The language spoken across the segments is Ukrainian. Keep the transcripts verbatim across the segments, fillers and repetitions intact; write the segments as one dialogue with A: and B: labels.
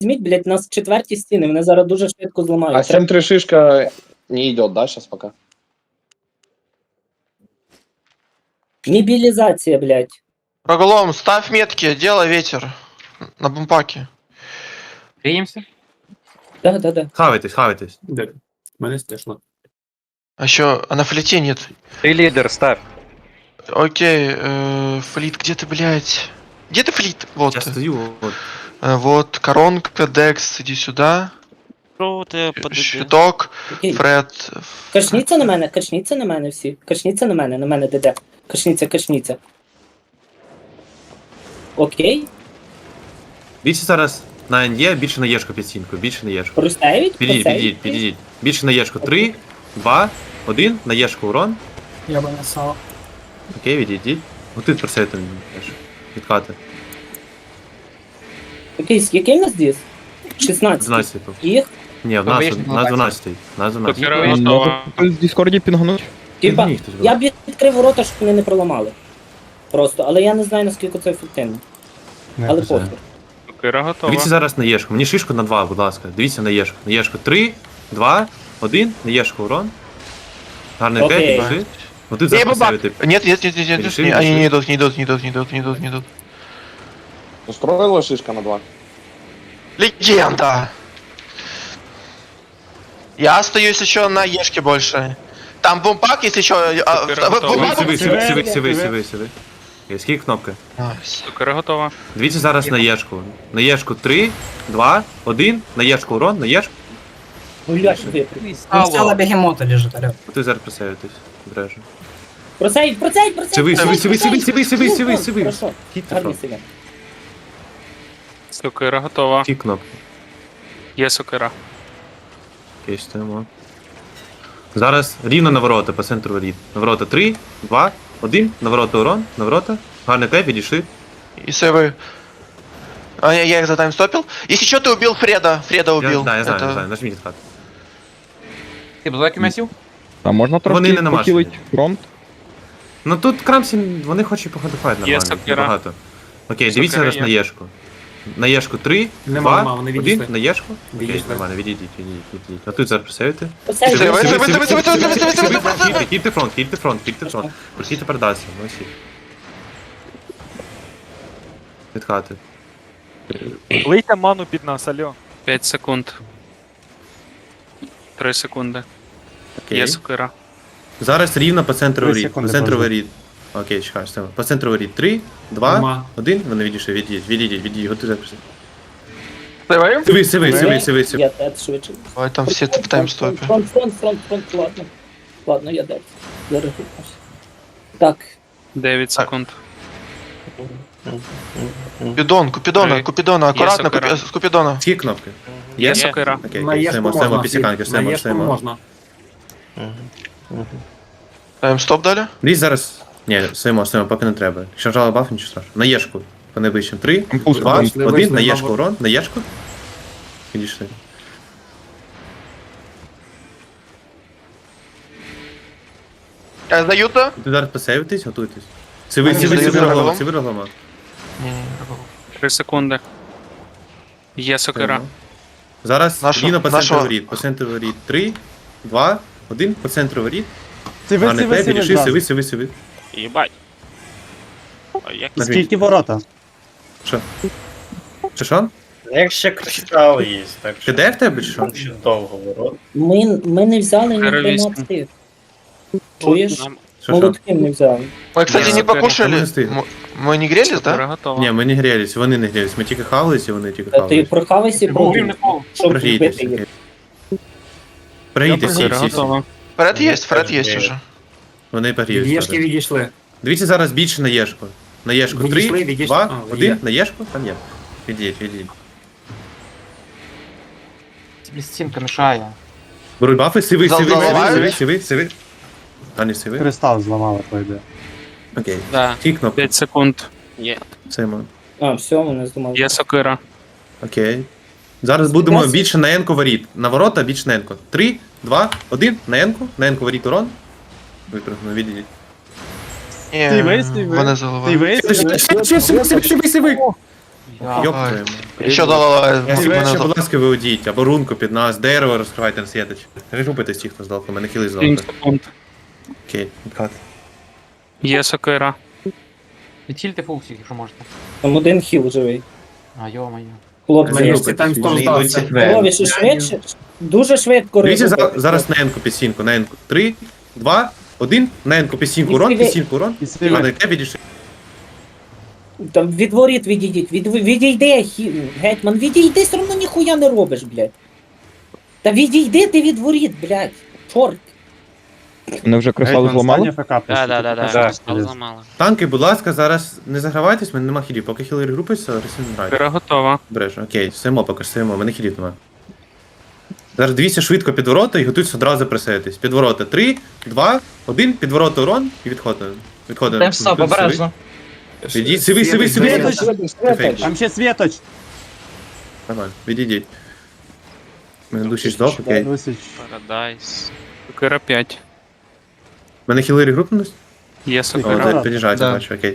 A: візьміть, блядь, нас четверті стіни, вони зараз дуже швидко зламають.
B: А семь три шишка не идет, да, сейчас пока?
A: Мобілізація, блядь.
C: Проголом, ставь метки, делай ветер. На бумпаке.
D: Гріємося?
A: Да, да, да.
E: Хавайтесь, хавайтесь.
F: Де? Мене стешло.
C: А еще, а на флите нет.
D: Ти лідер, ставь.
C: Окей, э, флит, где ты, блядь? Где ты флит? Вот.
E: Я стою, от.
C: Э, вот, коронка, Декс, иди сюда.
G: Що ти подивись?
C: Щиток,
A: Окей.
C: Фред.
A: Качніться на мене, качніться на мене всі. Качніться на мене, на мене ДД. Качніться, качніться. Окей.
E: Більше зараз на ен є, більше на єшку під стінкою, більше на єшку.
A: Простають?
E: Підійдіть, підійдіть, підійдіть. Більше на єшку. Три, два, один, на єшку урон.
F: Я би не сало.
E: Окей, відійдіть. Готують про це там відкати.
A: Окей, який в нас діс? шістнадцять.
E: дванадцять типу.
A: Їх?
E: Ні, в нас, в нас дванадцять. В нас дванадцять.
D: Копіра готова.
H: В Дискорді пінгнуть.
A: Типа,
E: Ні, хтось
A: я б відкрив ворота, щоб вони не проламали. Просто, але я не знаю, наскільки це ефективно. Але
E: це.
A: похер.
D: Копіра готова.
E: Дивіться зараз на єшку. Мені шишку на два, будь ласка. Дивіться на єшку. На єшку. Три, два, один, на єшку урон. Гарний
A: Окей.
E: п'ять, пішли. Ну ти
C: Не,
E: зараз
C: бабак.
E: поставити.
C: Нет, нет, нет, нет, нет,
E: Решили,
C: не- они
E: решили.
C: не идут, не идут, не идут, не идут, не идут, не идут.
B: Устроила шишка на два?
C: Легенда! Я остаюсь еще на Ешке больше. Там бумпак есть еще. а,
D: Супер,
C: а,
D: готово.
C: бумпак-
E: Сиви, сиви, сиви, сиви, сиви, сиви. Окей, скільки кнопки?
C: Найс.
D: Копіра готова.
E: Дивіться зараз на єшку. На єшку три, два, один, на єшку урон, на єшку.
A: Ну я ж випрыг.
F: Стало бегемота лежит, алё.
E: Ти зараз присавитись. Обережно.
A: Просейдь, просейдь, просейдь!
E: Сиви, сиви,
A: просейдь,
E: сиви,
A: просейдь!
E: сиви, сиви,
A: Ну,
E: сиви,
A: ну,
E: сиви.
A: Хорошо,
E: Хітте
A: гарні
E: фронт.
A: сиви.
D: Сокира готова.
E: Ті кнопки.
D: Є сокира.
E: Окей, стоїмо. Зараз рівно на ворота, по центру воріт. На ворота три, два, один, на ворота урон, на ворота. Гарний кайф, підійшли.
C: И сейвы. А я, я их затаймстопил. Если что, ты убил Фреда. Фреда
E: Я,
C: убил.
E: да, я знаю,
C: Это-
E: я знаю, нажміть хат.
D: Ти блоки м'ясів?
H: А можна
E: Вони
H: трошки
E: не намажені.
H: похилити фронт?
E: Ну тут Крамсі, вони хочуть походифайт
D: Є
E: нормально,
D: сокира.
E: багато. Окей, дивіться
D: Сокира
E: зараз
D: є.
E: на єшку. На єшку три,
F: Нема,
E: два,
F: нема, вони
E: один,
F: відійшли.
E: на єшку. Окей,
F: Відійшли.
E: нормально, відійдіть, відійдіть, відійдіть. А тут зараз присавити.
A: Просейдь,
C: Сиви,
A: просейдь.
C: сиви, сиви, сиви, сиви, сиви, сиви, сиви, сиви.
E: Кільте фронт, кільте фронт, кільте фронт. Прохідьте передасться, молодці. Від хати.
I: Лийте ману під нас, альо.
D: п'ять секунд. три секунди.
E: Окей.
D: Є сокира.
E: Зараз рівно по центру
F: Три
E: воріт. По
F: секунди,
E: центру
F: подожди.
E: воріт. Окей, чекай, все. По центру воріт. Три, два,
F: Нема.
E: один. Вони відійшли, відійдіть, відійдіть, відійдіть. Готуйте.
C: Сейваем?
E: Сиви, сиви, сиви, сиви, сиви.
A: Я дед швидше.
C: Ой, там все в таймстопе.
A: Фронт, фронт, фронт, фронт, ладно. Ладно, я дед. Зараз рухнусь. Так.
D: дев'ять секунд.
C: Купидон, Купидона,
D: Три.
C: Купидона, аккуратно,
D: сокира.
C: Купи- с Купидона.
E: Скільки кнопки?
D: Є сокира.
E: Окей,
F: На
E: окей,
F: єшку
E: стоїмо, стоїмо,
F: можна.
E: пісіканки,
F: На
E: стоїмо,
F: єшку
E: стоїмо.
F: можна.
C: Таймстоп дали?
E: Дивіться зараз. Ні, стоїмо, стоїмо, поки не треба. Якщо жала баф, нічого страшного. На єшку. По найближчим. Три,
H: Пусто,
E: два,
F: вийшли,
E: один,
F: вийшли,
E: на
F: знову.
E: єшку урон, на єшку. Підійшли.
C: А, Сдают-то?
E: Тут зараз посейвитись, готуйтесь. Сиви,
C: Вони
E: сиви,
C: здають
E: сиви,
C: загалом?
E: роглома, сиви, роглома.
D: три секунди. Є сокира.
E: Зараз
C: Нашу-
E: рівно по центру
C: нашого-
E: воріт. По центру воріт. Три, два, один, по центру воріт.
I: Сиви,
E: Гарний
I: сиви,
E: кайф,
I: сиви,
E: підійшли,
I: зразу.
E: сиви, сиви, сиви.
G: Єбать. А як
E: Нажміть.
F: Скільки ворота?
E: Що? Що, що?
J: Як ще кристал є, так
E: Ти
J: що
E: де в тебе, чи що?
J: там ще довго ворот.
A: Ми, ми не взяли ні
D: Террористи.
A: тринадцять. Чуєш?
G: нам
E: Що, що?
A: Молотки не взяли.
C: Мы, кстати,
D: Не,
C: не
D: сокира.
C: покушали.
E: Мы стыдно.
C: М- Мы не грелись,
D: Сокира
C: да?
D: готова.
E: Ні, ми не грілись, вони не грілись. Ми тільки хавались, і вони тільки
A: Та Ти
E: хавались.
A: прохавайся і пробуй, щоб
E: Прогрійтесь,
A: вбити їх.
E: окей. Прогрійтесь всі,
D: Сокира
E: всі, всі.
D: готова.
C: Фред есть, Фред есть уже.
E: Вони прогріють.
F: Єшки
E: зараз.
F: відійшли.
E: Дивіться зараз більше на єшку. На єшку
F: Відійшли,
E: три,
F: відійшли.
E: два,
F: А,
E: один,
F: є.
E: на єшку, там є. Відійдіть, відійдіть.
D: Стінка мішає.
E: Беруть бафи, сиви,
C: Зал-
E: сиви, сиви,
C: заливають?
E: сиви, сиви, сиви. А не сиви?
F: Кристал зламали, пойде.
E: Окей.
G: Да.
E: Ті кнопки,
D: п'ять секунд.
G: Є.
E: Сеймо.
A: А, все, вони здумали.
D: Є сокира.
E: Окей. Зараз будемо
A: Якраз-
E: більше на енку воріт. На ворота більше на енку. Три, два, один, на енку. На енку воріт урон. Випрыгну, відійдіть.
C: Не,
I: Сивы, сивы.
C: вони заливають.
I: Сиви, сиви.
E: Сиви, сиви, сиви, сиви. Йоп твою.
C: Еще дала.
E: Я себе ще, будь ласка, виудіть, або рунку під нас, дерево розкривайте на світоч. Рухайтесь ті, хто здав, у мене хіли
D: сім
E: здав.
D: секунд.
E: Окей, відкат.
D: Є сокира. Відхильте фул всіх, якщо можете.
A: Там один хіл живий.
D: А, йо-моє.
A: Хлопці,
F: Нарешті там сто здався.
A: Лові, ще швидше. Дуже швидко
E: Дивіться за-
A: робити.
E: зараз на енку під сінку, на енку. Три, два, один, на енку під сінку урон, під сінку урон. А на яке відійшли?
A: Там від воріт відійдіть. Від, відійди, хі... гетьман, відійди, все одно ніхуя не робиш, блядь. Та відійди ти від воріт, блядь. Чорт.
H: Вони вже кристали зламали?
G: Да, да, да, да. Кристал зламали.
E: Танки, будь ласка, зараз не загравайтесь, в мене нема хілів. Поки хілери групуються, ресін грають.
D: Сокира готова.
E: Береш, окей, стоїмо, поки що стоїмо, в мене хілів нема. Зараз дивіться швидко під ворота і готуйтесь одразу присеятись. Під ворота. Три, два, один, під ворота урон і відходимо. Відходимо.
G: Тайм стоп, обережно.
E: Відійдіть, сиви, сиви, сиви.
F: Там ще світоч.
E: Нормально, відійдіть. У мене душі здох, окей.
G: Парадайс.
D: Сокира п'ять.
E: У мене хілери групнулись?
D: Є
E: О,
D: сокира.
E: так, під'їжджайте, бачу, окей.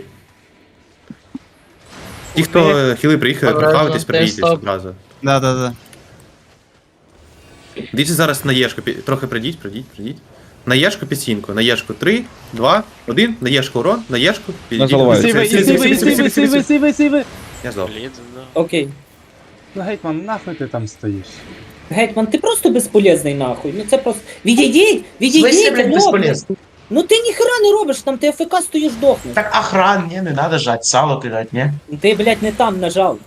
E: Ті, хто е, хіли приїхали,
G: Обережно,
E: прохавитесь, прибійтесь
G: стоп.
E: одразу.
F: Да, да, да.
E: Дивіться зараз на Єшку, пі- трохи прийдіть, прийдіть, прийдіть. На Єшку під сінку, на Єшку три, два, один, на Єшку урон, на Єшку, підійдіть.
H: заливають.
E: Сиви, сиви, сиви, сиви, сиви, сиви, сиви.
F: сиви, сиви.
E: Я здох.
G: Блід, да.
A: Окей.
F: Ну, гетьман, нахуй ти там стоїш?
A: Гетьман, ти просто безполезний нахуй. Ну це просто. Відійдіть! Відійдіть! хлопці! Ну ти ніхера не робиш, там ти АФК стоїш дохнеш.
J: Так охран, не, не надо жать, сало кидать, не?
A: Ти, блядь, не там нажав.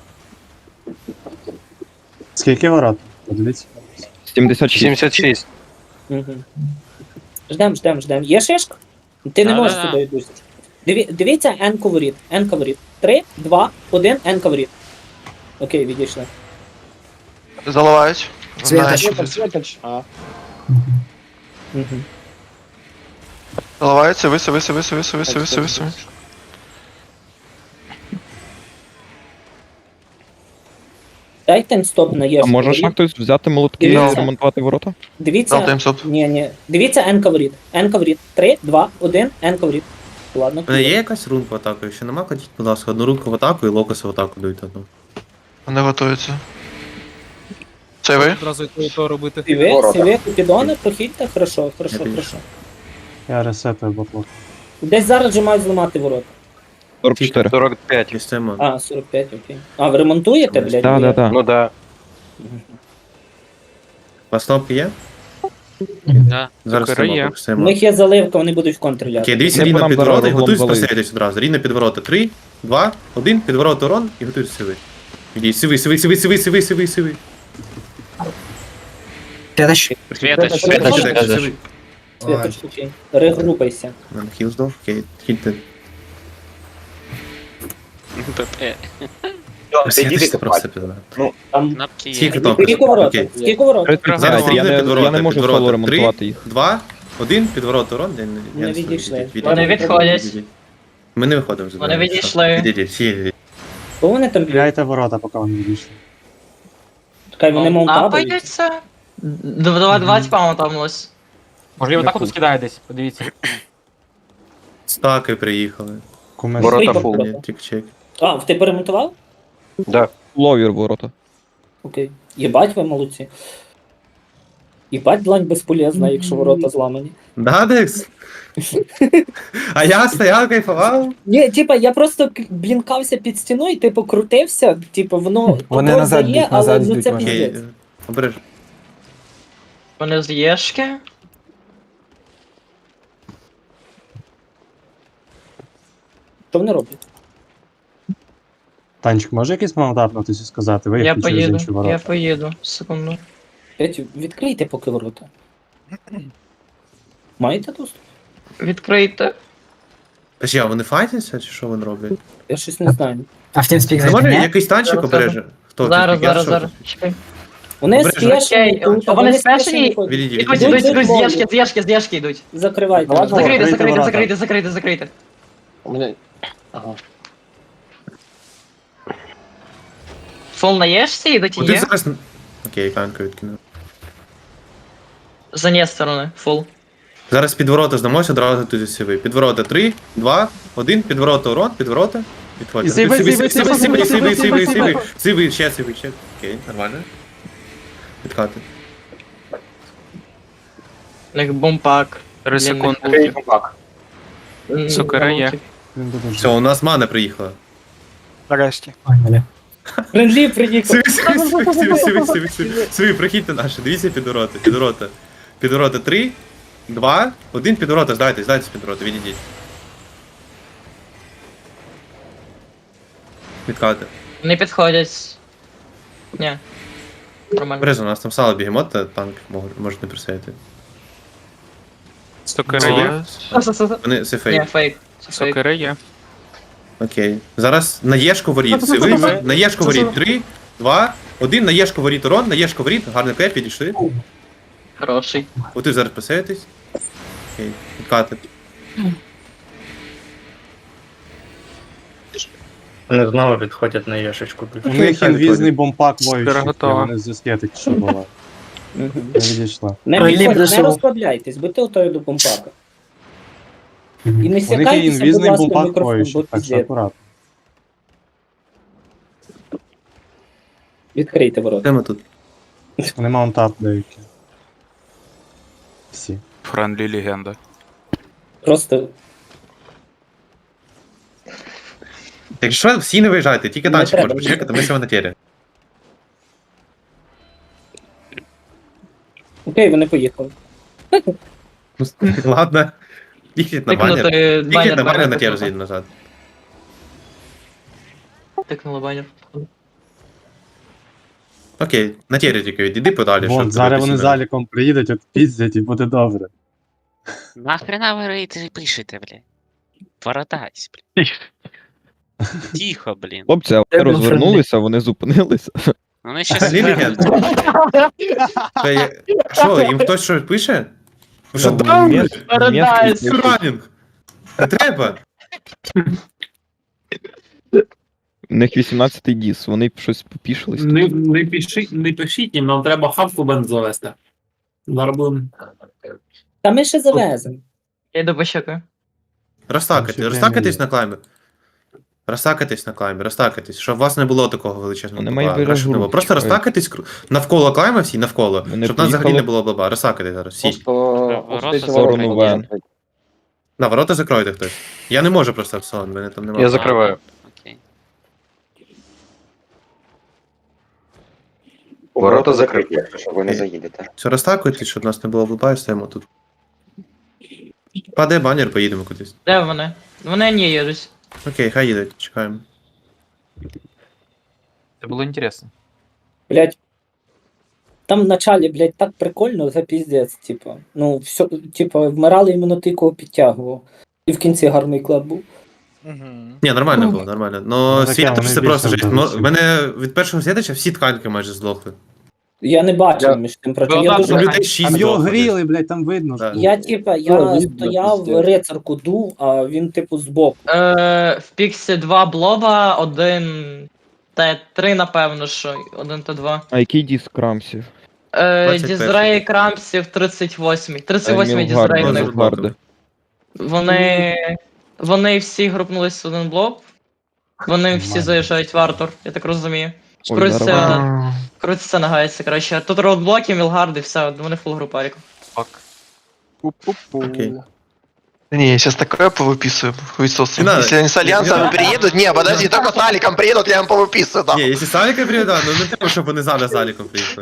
F: Скільки ворот? Подивіться.
H: сімдесят шість.
A: Угу. Ждем, ждем, ждем. Є шишка? Ти не можеш
G: Да-да-да.
A: сюди йдути. Диві, дивіться, N коворіт. N коворіт. Три, два, один, N коворіт. Окей, відійшли.
C: Заливають. Знаєш.
B: Світоч, світоч. А,
A: Угу.
C: Заливаються, виси, виси, виси, виси, виси, виси, виси.
A: Дайте таймстоп на
H: А
A: Єшку.
H: можеш на хтось взяти молотки і
A: Дивіться.
H: ремонтувати ворота?
A: Дивіться.
C: Дав таймстоп.
A: Ні, ні. Дивіться N коворіт. N коворіт. Три, два, один, N коворіт. Ладно.
E: У мене є якась рунка в атаку? Якщо нема, кладіть, будь ласка, одну рунку в атаку і локоси в атаку дуйте одну.
C: Вони готуються. Це ви?
I: Одразу і то робити.
A: Сиви, сиви, купідони, прохідьте. Хорошо, хорошо,
E: Я
A: хорошо.
F: Я ресетую ботлок.
A: Десь зараз же мають зламати ворота.
H: сорок чотири.
C: сорок п'ять.
E: І стоїмо.
A: А, сорок п'ять, окей. А, ви ремонтуєте, блядь?
H: Так, так, так.
C: Ну да.
E: У вас кнопки є?
G: Да.
E: Зараз
D: Сокира
E: стоїмо,
D: є.
E: поки
A: У
E: стоїмо.
A: них є заливка, вони будуть в контрі ляти.
E: Окей, дивіться
H: Не
E: рівно
H: нам
E: під
H: зараз
E: ворота і
H: углом
E: готуйтесь
H: залить.
E: посередись одразу. Рівно під ворота. Три, два, один, під ворота урон і готуйтесь сиви. Ідіть, сиви, сиви, сиви, сиви, сиви, сиви, сиви.
F: Світоч.
G: Світоч,
E: Сиви,
G: світоч.
E: сиви.
A: Світоч, окей. Регрупайся.
E: У мене хіл здох, окей, хільте.
G: ПП.
E: Сидіть просто пізна.
A: Там
G: Кнопки є.
E: Скільки кнопки?
A: скільки ворот?
E: Окей.
A: Скільки ворот?
E: Зараз
H: Я
E: рівно
H: не,
E: під
H: я
E: ворота,
H: не можу
E: під
H: соло
E: ворота.
H: ремонтувати
E: Три,
H: їх.
E: два, один, під ворота урон. Я не- я
A: Не
E: знаю,
A: відійшли.
E: відійдіть, відійдіть.
G: Вони відходять.
E: Відійдіть. Ми не виходимо.
G: Вони відійшли.
E: Відійдіть, всі відійдіть.
A: Бо вони там б'ють?
F: Гуляйте ворота, поки вони відійшли.
A: Чекай, вони маунтабують.
G: Апаються? Два два типа маунтабнулось.
D: Можливо, так от скидає десь, подивіться.
E: Стаки приїхали.
F: Куми.
A: Ворота
E: Ні,
A: фул.
E: тік-чек.
A: А, ти перемонтував?
H: Ловір ворота.
A: Окей. Єбать, ви молодці. Єбать, длань безполезна, якщо ворота зламані.
E: Да, Декс? А я стояв, кайфував.
A: Ні, типа, я просто к- блінкався під стіною, типу, крутився, типу, воно
F: Вони
A: контроль
F: назад
A: дає,
F: б'ють,
A: але
F: назад
A: ну
F: б'ють
A: це
F: вони.
E: Окей,
A: піздець.
E: обережно.
G: Вони з Єшки.
A: Що вони роблять?
F: Танчик, може якийсь маунтапнутися сказати?
G: Я
F: Виїхати через інші
G: поїду,
F: ворота.
G: я поїду. Секунду.
A: Петю, відкрийте поки ворота. Маєте доступ?
G: Відкрийте.
E: Подожди, а вони файтяться, чи що вони роблять?
A: Я щось не знаю.
F: А в TeamSpeak
E: Не може якийсь танчик
G: Зараз,
E: обереже? Хто це?
G: Зараз,
E: Я
G: зараз,
E: що?
G: зараз. Чекай.
A: Вони
E: Обережно.
A: спешені,
G: Окей,
A: тут,
G: а вони
A: спешені
G: спешені?
A: ходять.
E: Відійдіть,
G: Ідуть,
E: відійдіть.
G: ідуть, ідуть з
A: Йдуть,
G: Єшки, з Єшки, з Єшки йдуть.
A: Закривайте.
F: Ладно.
G: Закрийте,
F: Закрийте
G: закрийте,
F: ворота.
G: закрийте, закрийте, закрийте.
B: У мене... Ага.
G: Фол на Єшці йдуть і
E: Куди
G: є.
E: зараз... Окей, канку відкину.
G: За не сторони, фул.
E: Зараз під ворота здамося, одразу туди сиви. Під ворота три, два, один, під ворота урон, під ворота. Відходьте.
F: Сиви,
E: Сиви,
F: сиви,
E: сиви,
F: сиви,
E: сиви,
F: сиви,
E: сиви,
F: сиви,
E: сиви,
F: сиви.
E: сиви, сиви, ще сиви, ще. Окей, нормально. Відкати.
G: У них бомпак.
D: Три
G: Для них
D: секунди.
G: М,
D: Сокира є.
F: Він буде
E: Все, у нас мана приїхала.
I: Нарешті.
A: Френдлі приїхав.
E: Сиви, сиви, сиви, сиви, сиви, сиви, сиви. Сиви, прохідьте наші, дивіться підвороти, підвороти. Підвороти три, два, один підвороти, здайтесь, здайтесь підвороти, відійдіть. Відкати.
G: Не підходять. Ні. Нормально.
E: Бережно, у нас там сало бігемот, та танк мож- можуть не присеяти.
D: Сокира є.
E: Вони це
G: Ні,
E: фейк.
G: фейк. Це фейк.
D: Сокира є.
E: Окей. Зараз на Єшку воріт. Сиви, на Єшку воріт. Три, два, один, на Єшку воріт урон, на Єшку воріт. Гарний кеп, підійшли.
G: Хороший.
E: От ви зараз присеєтесь. Окей, відкати.
J: Вони знову відходять на Єшечку.
F: У них інвізний бомпак воюючий.
D: Скоро готова.
F: Вони зв'язки тільки що була. Не відійшла.
A: Не
J: Френдлі
A: підходь, не
J: прийшов.
A: розслабляйтесь, будьте готові до бомпака. І не
F: У них є
A: сякайтеся, будь
F: інвізний
A: ласка, в
F: бомпак
A: мікрофон,
F: воюючий,
A: бо
F: так що
A: піздець.
F: акуратно.
A: Відкрийте ворота.
E: Де ми тут?
F: Вони маунтап деякі. Всі.
D: Френдлі легенда.
A: Просто
E: Якщо всі не виїжджайте, тільки
A: Не
E: танчик
A: треба.
E: може почекати, ми себе на тері.
A: окей, вони поїхали.
E: Ну, ладно. Їхніть на банер.
G: Тикнути
E: Їхніть
G: банер.
E: на банер на
G: банер
E: тері
G: тикнути.
E: з'їдь назад.
G: Тикнули банер.
E: Окей, на тері тільки відійди подалі.
F: Вон,
E: щоб
F: зараз вони
E: дивитися.
F: заліком приїдуть, от піздять і буде добре.
K: Нахрена ви рейти пишете, блядь? Бородась, блядь. Тихо, блін.
H: Хлопці, а вони розвернулися, вони зупинилися.
K: Ну, Вони ще
E: Взагалі легенда. Та я- Що, їм хтось щось пише? Ви що, даун?
G: Парадайз.
E: Ранінг. Не треба.
H: У них вісімнадцятий діс, вони щось попішились.
I: Не, не, пишіть, не пишіть їм, нам треба хавку бенз завести. Зараз будемо.
A: Та ми ще завеземо.
G: Я йду пощекаю.
E: Розтакати,
F: Ще
E: розтакатись
F: прямо
E: на клаймі. Розтакатись на клаймі, розтакатись, щоб у вас не було такого величезного
H: Вони
E: баба.
H: мають
E: Краще не було.
H: виражу.
E: Просто розтакатись кру- навколо клайма всі, навколо,
H: Вони
E: щоб нас взагалі
H: поїхали.
E: не було баба. Розтакатись зараз, всі.
B: Просто
K: Ворота
B: ось ці
H: сторону
B: ворота
H: Вен.
B: закриті.
E: На ворота закройте хтось. Я не можу просто в сон, мене там немає.
B: Я закриваю.
K: Окей.
B: Ворота закриті, якщо ви не заїдете.
E: Все, розтакуйтесь, щоб нас не було баба, і стоїмо тут. Паде банер, поїдемо кудись.
G: Де вони? Вони не їдуть.
E: Окей, хай їдуть, чекаємо.
D: Це було інтересно.
A: Блять. Там в началі, блять, так прикольно, це піздець, типа. Ну, все, типа, вмирали іменно ти, кого підтягував. І в кінці гарний клад був.
E: Ні, нормально було, нормально. Но
F: Ну, таке,
E: світ
F: вони
E: це просто
F: більше
E: жесть.
F: вдалося.
E: В мене від першого світача всі тканки майже здохли.
A: Я не бачив
B: Я-
A: між тим проти.
D: Ну,
A: Я,
D: да,
A: дуже...
E: Ну, людей шість
F: Там його
E: здохло.
F: гріли, блядь, там видно.
E: Да.
F: що.
A: я, типа,
J: Ну,
A: я
J: видно,
A: стояв,
J: пиздець.
A: рицарку дув, а він, типу, збоку.
G: Е, в Піксі два блоба, один Т три, напевно, що. Один Т два.
H: А який діс крамсів?
G: Е,
E: двадцять перший.
G: Дізрей Крамсів тридцять восьмий. тридцять восьмий
H: Емілгард,
G: Дізрей в них.
H: Емілгард.
G: Вони. Вони всі групнулись в один блок. Вони всі
F: Нормально.
G: заїжджають в Артур, я так розумію.
H: Ой,
G: Крутиться,
H: зараз-
G: крутиться, нагається, коротше. Тут роудблоки, Мілгард і все, вони фул група ріку.
D: Фак.
E: Окей.
C: Не, сейчас такое повыписываем. Хуесосы.
E: Не надо.
C: Если они с альянсами
E: Не надо.
C: приедут, не, подожди, только с Аликом приедут, я им повыписываю, да.
E: Ні, якщо Саліка приїде, ну не треба, щоб вони зараз заліком приїхали.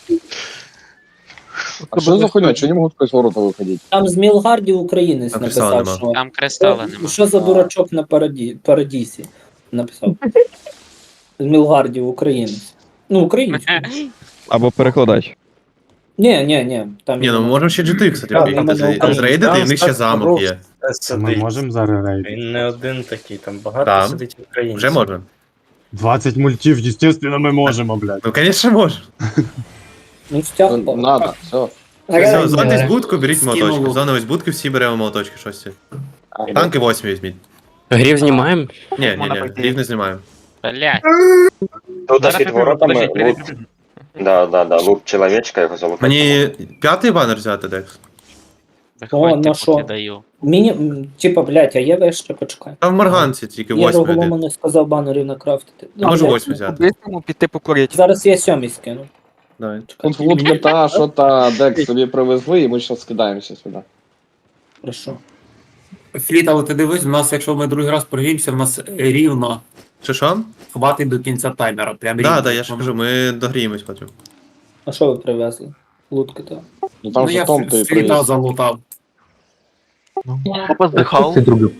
B: А що за хуйня? Чого не можуть якось ворота виходити?
A: Там з Мілгардів українець
E: Там кристала
A: написав,
E: нема.
A: що...
K: Там кристала
A: Що,
K: нема.
A: що за дурачок на параді... парадісі? Написав. З Мілгардів українець. Ну, український.
H: Або перекладач.
A: Ні, ні, ні. Там
E: Ні, ну
A: іменно-
E: можемо ще джі ти, кстати,
J: Так,
E: приїхати,
A: там
E: зрей-
A: Україна.
E: зрейдити, і в них ще замок є.
F: Ми можемо зараз рейд.
J: Він не один такий, там багато
E: Там.
J: сидить українців.
E: Вже можна.
F: двадцять мультів, естественно, ми можемо, блядь.
E: Ну, звісно, можна.
A: Ну, стяг
B: Ну, Надо, все.
E: Все, зонтесь будку, беріть
I: Скинуло.
E: молоточки. Зоновись будки, всі беремо молоточки, щось. Танки восьмі візьміть.
K: Грів знімаємо?
E: Ні, ні,
D: Можна
E: ні,
D: пойти.
E: рів не знімаємо.
K: Блядь.
B: Тут
D: під воротами лут.
B: Да, да, да, лук чоловічка, його зовут.
E: Мені п'ятий банер взяти, Декс.
K: Виходьте,
A: на що?
K: поки даю.
A: Міні... м, Типа, блядь, а є вище, почекай.
E: Там в Марганці тільки
A: Я
E: восьмий
A: Роголому
E: один.
A: не сказав банерів накрафтити.
E: А може
A: блядь,
E: восьмий взяти.
H: По-бистрому піти покурити.
A: Зараз я сьомий скину.
E: Давай.
B: Тут лутка та, що та, Декс собі привезли, і ми зараз скидаємося сюди.
A: Хорошо.
I: Фліт, але ти дивись, у нас, якщо ми другий раз прогріємося, в нас рівно
E: Що що?
I: хватить до кінця таймера. Прям рівно.
E: Да, да, я ж кажу, ми догріємось потім.
A: А що ви привезли? Лутки то.
B: Ну там
I: Ну
B: же
I: я
B: Том той
I: фліта
B: привіз.
I: залутав.
C: Опа здихав.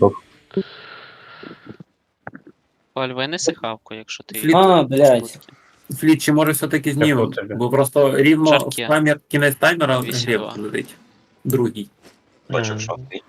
K: Оль, винеси хавку, якщо ти...
I: Фліт-
A: А, блядь.
I: Фліт, чи може все-таки знімемо?
J: Дякую тобі.
I: Бо просто рівно
K: Жарке.
I: в таймер, кінець таймера
K: Вісім
I: гриб
K: два.
I: летить. Другий.
B: Бачу, що ти.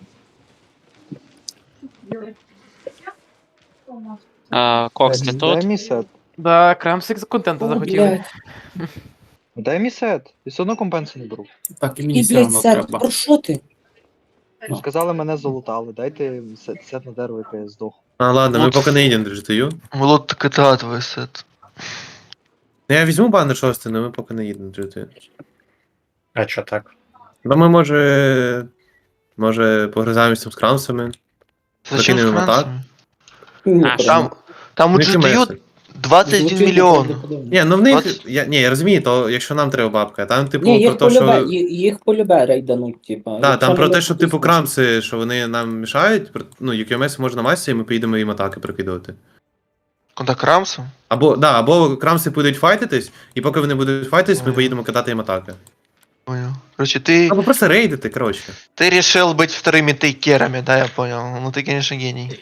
K: А, Кокс, ти тут?
H: місет.
D: Да, крамсик з контенту
A: О,
D: захотів.
A: блядь.
H: Дай місет. І все одно компенси не беру.
I: Так і мені
A: І,
I: все
A: блядь,
I: одно
A: сет,
I: треба.
A: про що ти?
I: Ну.
H: Сказали, мене залутали. Дайте сет на дерево, яке я здох.
E: А, ладно, ми
C: Лут.
E: поки не їдемо до джі ти ю.
C: Лут КТА твій сет.
E: Ну, я візьму банер шостий, але ми поки не їдемо до джі ти ю.
J: А чо так?
E: Ну ми може. Може погризаємося там з крамсами.
C: Зачем з
E: Закинемо
C: Францією?
A: Ні,
K: А,
C: Там, там у
E: Ну, які
C: джі ті ю
E: меси?
C: двадцять один мільйон.
E: Ні, ну в них.
C: двадцять
E: Я, ні, я розумію, то якщо нам треба бабка, там, типу,
A: Ні,
E: про
A: їх
E: те,
A: полюбе,
E: що.
A: ї- їх полюбе рейдануть, типа.
E: Так,
A: Якщо
E: там про
A: не
E: те, що
A: буде
E: типу
A: смисла.
E: крамси, що вони нам мішають, про- ну, ю кей ем ес можна масі, і ми поїдемо їм атаки прикидувати.
C: Контакт Рамсом?
E: Або, да, або крамси будуть файтитись, і поки вони будуть файтитись, ми
C: Ой.
E: поїдемо кидати їм атаки.
C: Понял. Короче, ты,
E: Або просто рейдити, коротше.
C: ты решил быть вторыми тейкерами, да, я понял. Ну ты, конечно, гений.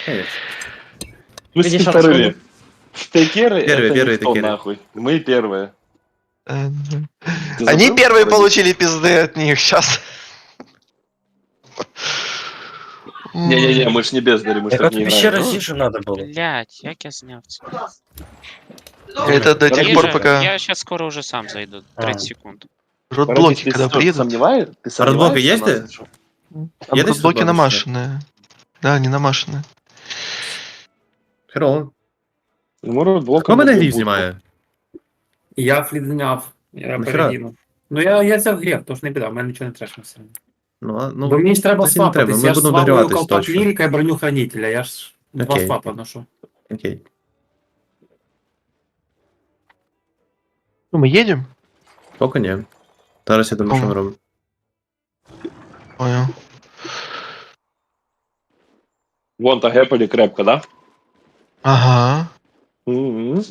B: Вы
G: Видишь,
B: вторые.
G: откуда?
B: Стейкеры,
E: Первые,
B: это
E: первые
B: никто,
E: тейкеры.
B: нахуй. Мы первые.
C: Э,
B: Ты
C: Они
B: забыл,
C: первые
B: вроде?
C: получили пизды от них сейчас.
B: Не-не-не, мы ж не бездари, мы ж
J: Яка
B: так не
J: тобі ще
B: играем.
J: разніше треба було?
K: Блядь, як я зняв це?
C: Это до тех
K: Я
C: пор,
K: же-
C: пока
K: Я сейчас скоро уже сам зайду. тридцать секунд.
C: родблоки,
B: Ты
C: когда
B: что,
C: приедут.
B: сомневаешь? Ты
E: Родблоки
B: сомневаешься
E: есть
B: в нас,
E: ты?
B: или что?
C: Там
E: Едешь
C: родблоки
E: родблоки,
C: намашенные. Да, не намашенные.
E: Херово.
B: Ну, мы родблоком
E: Хто мене
B: будем
E: грів
B: будку.
E: знімає?
I: Я фліт зняв. Я
E: Нахера?
I: перегину. Ну я, я взяв гріб, тож не біда, в мене нічого не треба все.
E: Ну, а,
I: Бо
E: ну,
I: мені ж треба
E: значить, не треба,
I: свапатись,
E: ми
I: я ж
E: будемо
I: свапаю
E: догріватись
I: колпак
E: точно.
I: лірика і броню хранителя, я ж два
E: Окей.
I: свапа ношу.
E: окей.
C: Ну, мы едем?
E: Поки ні. Зараз я думаю, що ми робимо.
C: Понял.
B: Вон та гэпали крепко, да?
C: Ага.
B: Мгм.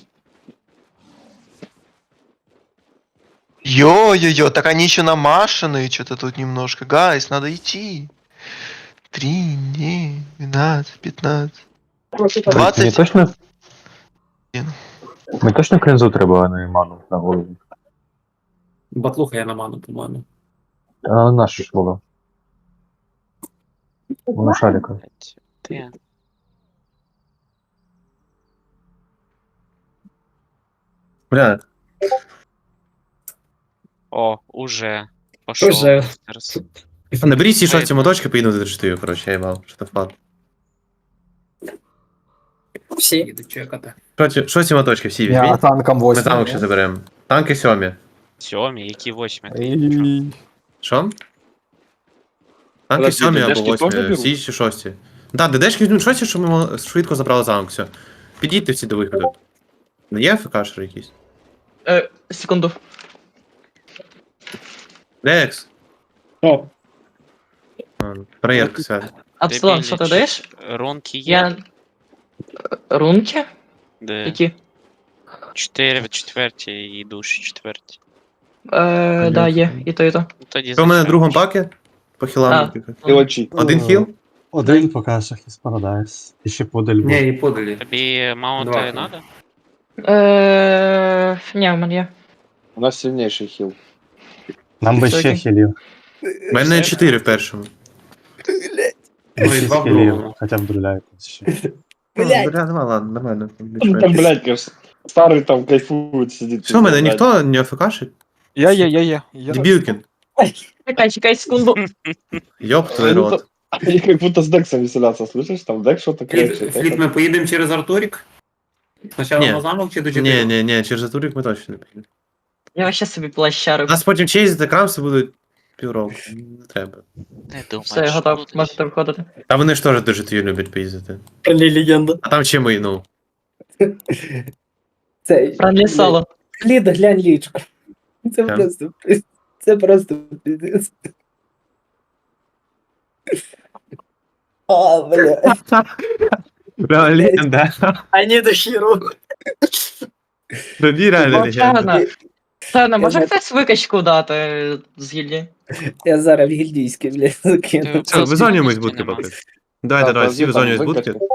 C: Ё-ё-ё, так они еще намашенные что-то тут немножко. Гайс, надо идти. Три, не, двенадцать, пятнадцать. двадцать.
F: точно.
C: Блін.
F: Ми точно кринзу треба, а не ману на голову.
I: Батлуха я на ману, по-моєму.
F: А наша ж була. Вона шарика.
K: Блядь, Ти.
E: Бля,
K: О, уже. Пошел.
A: Уже.
E: а наберіть ці шості
K: Видно.
E: моточки, поїду до чотири, коротше, я їбав, що то впад.
A: Всі.
I: Їду чекати.
E: Шості- Шості моточки всі візьміть.
F: танком
E: Ми танк ще заберемо. Танки сьомі.
K: Сьомі, які восьмі.
E: Що? Танки
B: Подожди,
E: сьомі або
B: ДДшки теж
E: восьмі,
B: беруть?
E: всі чи шості. Так, ДДшки візьмуть шості, щоб ми мо- швидко забрали замок, все. Підійдьте всі до виходу. Не є ФКшер якийсь?
G: Е, секунду.
E: Лекс.
A: О,
E: А, Проєрка свят.
G: Апсилон, що ти даєш?
K: Рунки є?
G: Я. Рунки?
K: Де?
G: Які?
K: Чотири в четвертій і душі четверті.
G: Е, да, є. І то, і то.
K: Ну, Тоді
E: Що в мене в
K: зачем?
E: другому пакі? По хілам.
G: А.
E: тільки.
B: И лочи.
E: Один хіл?
F: Один поки що Хіс Парадайс. І ще подаль.
I: Ні, і подалі.
K: Тобі маунти
I: Два.
K: надо?
G: Е, ні, в мене є.
B: У нас сильнейший хил.
F: Нам би ще
G: Високий.
F: хілів.
E: У мене чотири в першому.
I: Ну і
F: Шість
I: два в
F: хілів.
I: другому.
F: Хоча б друляють ще.
E: Блядь. Бля, ну ладно, нормально.
B: Там, блядь, кажется, старый там кайфует, сидит.
E: Що, мене
B: пиздец,
E: ніхто не АФКшить?
H: Я є, я є. Я
E: Дебілкін.
G: Чекай, чекай, секунду.
E: Йоп твій
B: Ну,
E: рот.
B: Они как будто с Дексом веселятся, слышишь? Там Декс что-то
I: Фліт,
B: кричит.
I: Фліт, ми поїдемо через Артурік? Спочатку
E: Ні.
I: на замок чи до
E: Ні,
I: чотири?
E: ні, ні, через Атурік ми точно не поїдемо.
G: Я вообще собі плащарю.
E: Нас потім чейзити крамси будуть Півроку. Не треба.
K: Не думаю,
G: Все, я
K: що
G: готов,
K: буде.
G: можете виходити.
E: Та вони ж теж дуже твій люблять поїздити.
I: Френлі легенда.
E: А там ще ми, ну.
A: Це,
G: Френлі соло.
A: Клід, глянь лічку. Це
E: Так.
A: просто, це просто пиздец. А, бля.
E: Реально легенда.
I: I need a hero.
E: Тобі реально легенда.
G: Чарна, Чарна, може
A: Я
G: хтось викачку дати з гільдії?
A: Я зараз в гільдійське, блядь, закину.
K: Ти-
E: Все, визвонюємось
K: Це
E: будки
K: нема.
E: поки. Давайте,
B: Так,
E: давайте, всі
B: там
E: визвонюють
B: викачка.
E: будки.